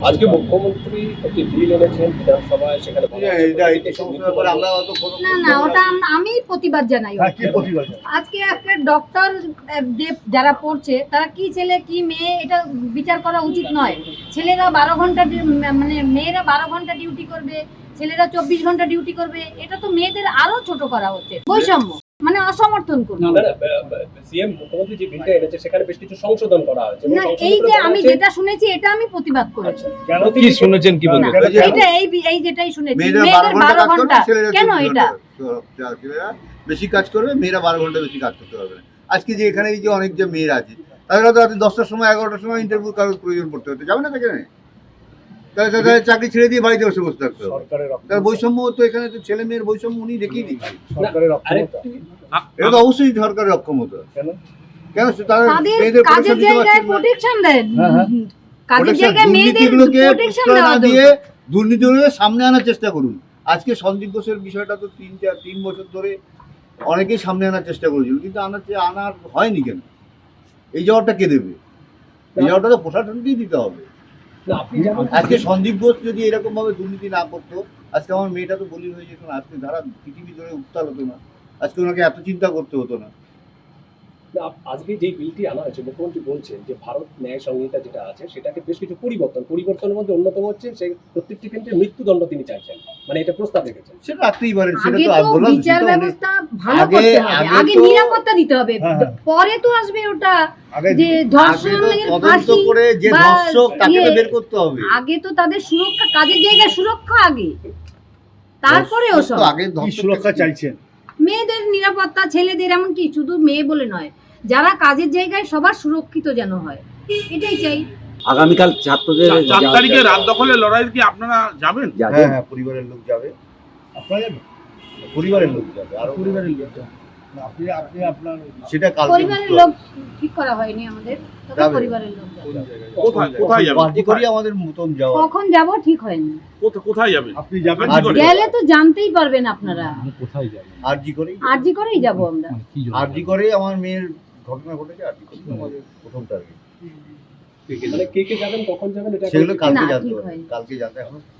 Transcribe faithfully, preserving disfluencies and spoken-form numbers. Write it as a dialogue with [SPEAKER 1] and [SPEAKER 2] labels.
[SPEAKER 1] আজকে মুখ্যমন্ত্রী একটি বিল এনেছেন বিধানসভায়, সেখানে
[SPEAKER 2] না না ওটা আম- আমি প্রতিবাদ জানাই। আজকে একটা ডক্টর যারা পড়ছে তারা কি ছেলে কি মেয়ে এটা বিচার করা উচিত নয়। ছেলেরা বারো ঘন্টা ডি- মানে মেয়েরা বারো ঘন্টা ডিউটি করবে, ছেলেরা চব্বিশ ঘন্টা ডিউটি করবে, এটা তো মেয়েদের আরো ছোট করা হচ্ছে। বৈষম্য মানে অসমর্থন করবে।
[SPEAKER 1] সিএম মুখ্যমন্ত্রী যে বিলটা এনেছে সেখানে বেশ কিছু সংশোধন করা হয়েছে।
[SPEAKER 2] না এই যে আমি যেটা শুনেছি এটা আমি প্রতিবাদ করেছি।
[SPEAKER 1] কেন কি শুনেছেন কি বলবেন?
[SPEAKER 2] এটা এই এই যেটাই শুনেছি মেয়েদের বারো ঘন্টা কেন এটা
[SPEAKER 3] বেশি কাজ করবে, মেয়েরা বারো ঘন্টা বেশি কাজ করতে পারবে না। আজকে যে এখানে এই যে অনেক যে মেয়েরা আছে তাদের হয়তো রাতে দশটার সময় এগারোটার সময় ইন্টারভিউ কারোর প্রয়োজন পড়তে হতে যাবে না, সেখানে তাহলে তাদের চাকরি ছেড়ে দিয়ে বাড়িতে বসে বসে থাকতে হবে। তার বৈষম্য তো এখানে তো ছেলে মেয়ের বৈষম্য উনি দেখিয়ে দিচ্ছেন। এটা তো অবশ্যই সরকারের অক্ষমতা। কেন তারা মেয়েদের
[SPEAKER 2] কাজের জায়গায় প্রোটেকশন দেন, কাজের জায়গায় মেয়েদের প্রোটেকশন দেওয়া
[SPEAKER 3] দিয়ে দুর্নীতিগুলোকে সামনে আনার চেষ্টা করুন। আজকে সন্দীপ ঘোষের বিষয়টা তো তিন চার তিন বছর ধরে অনেকেই সামনে আনার চেষ্টা করেছিল, কিন্তু আনার আনার হয়নি কেন? এই জবাবটা কে দেবে? এই জবাবটা তো প্রশাসনকেই দিতে হবে। আজকে সন্দীপ ঘোষ যদি এরকম ভাবে দুর্নীতি না করতো, আজকে আমার মেয়েটা তো বলি হয়ে যেত না, আজকে ধারা পৃথিবী ধরে উত্তাল হতো না, আজকে ওনাকে এত চিন্তা করতে হতো না।
[SPEAKER 1] আজকে যে বিলটি আনা হয়েছে, মুখ্যমন্ত্রী বলছেন যে ভারত ন্যায় সংহিতা যেটা আছে সেটাকে বেশ কিছু পরিবর্তন পরিবর্তনের মধ্যে অন্যতম হচ্ছে সেই প্রত্যেকটি ক্ষেত্রে মৃত্যুদণ্ড তিনি চাইছেন, মানে এটা প্রস্তাব রেখেছেন।
[SPEAKER 3] সেটা রাখতেই পারেন, সেটা
[SPEAKER 2] আগে
[SPEAKER 3] তো
[SPEAKER 2] তো
[SPEAKER 3] বললাম
[SPEAKER 2] বিচার ব্যবস্থা ভালো করতে হবে, আগে নিরাপত্তা দিতে হবে, পরে তো আসবে ওটা যে ধর্ষণের ফাঁসি
[SPEAKER 3] করে যে ধর্ষক তাকে তো বের করতে হবে।
[SPEAKER 2] আগে তো তাদের সুরক্ষা, কাজের জায়গায় সুরক্ষা আগে, তারপরে ওসব।
[SPEAKER 3] আগে সুরক্ষা চাইছেন,
[SPEAKER 2] মেয়েদের নিরাপত্তা, ছেলেদের, এমনকি শুধু মেয়ে বলে নয়, যারা কাজের জায়গায় সবার সুরক্ষিত যেন হয়, এটাই চাই।
[SPEAKER 4] আগামীকাল ছাত্রদের
[SPEAKER 5] চার তারিখে রাত দখলের লড়াই কি আপনারা যাবেন?
[SPEAKER 3] হ্যাঁ হ্যাঁ পরিবারের লোক যাবে। আপনারা যাবেন? পরিবারের লোক যাবে, আর পরিবারের লোক যাবে। আপনি আপনি আপনার সেটা কালকে
[SPEAKER 2] পরিবারের লোক ঠিক করা হয়নি আমাদের, তবে পরিবারের লোক যাবে।
[SPEAKER 5] কোথায় কোথায় যাবেন?
[SPEAKER 3] পার্টি করি আমাদের মতন যাওয়া।
[SPEAKER 2] কখন যাব ঠিক হয়নি।
[SPEAKER 5] কোথায় কোথায় যাবেন?
[SPEAKER 3] আপনি যাবেন?
[SPEAKER 2] গেলে তো জানতেই পারবেন আপনারা।
[SPEAKER 3] কোথায় যাবেন? আরজি করি।
[SPEAKER 2] আরজি করেই যাব আমরা।
[SPEAKER 3] আরজি করে আমার মেয়ের ঘটনা ঘটেছে, আরজি করি আমাদের প্রথম টার্গেট।
[SPEAKER 1] মানে কে কে যাবেন, কখন যাবেন, এটা
[SPEAKER 3] সেগুলো কালকে
[SPEAKER 2] না,
[SPEAKER 3] জানতে
[SPEAKER 2] ঠিক
[SPEAKER 3] হবে,
[SPEAKER 2] হয়নি।
[SPEAKER 3] কালকে জানতে এখন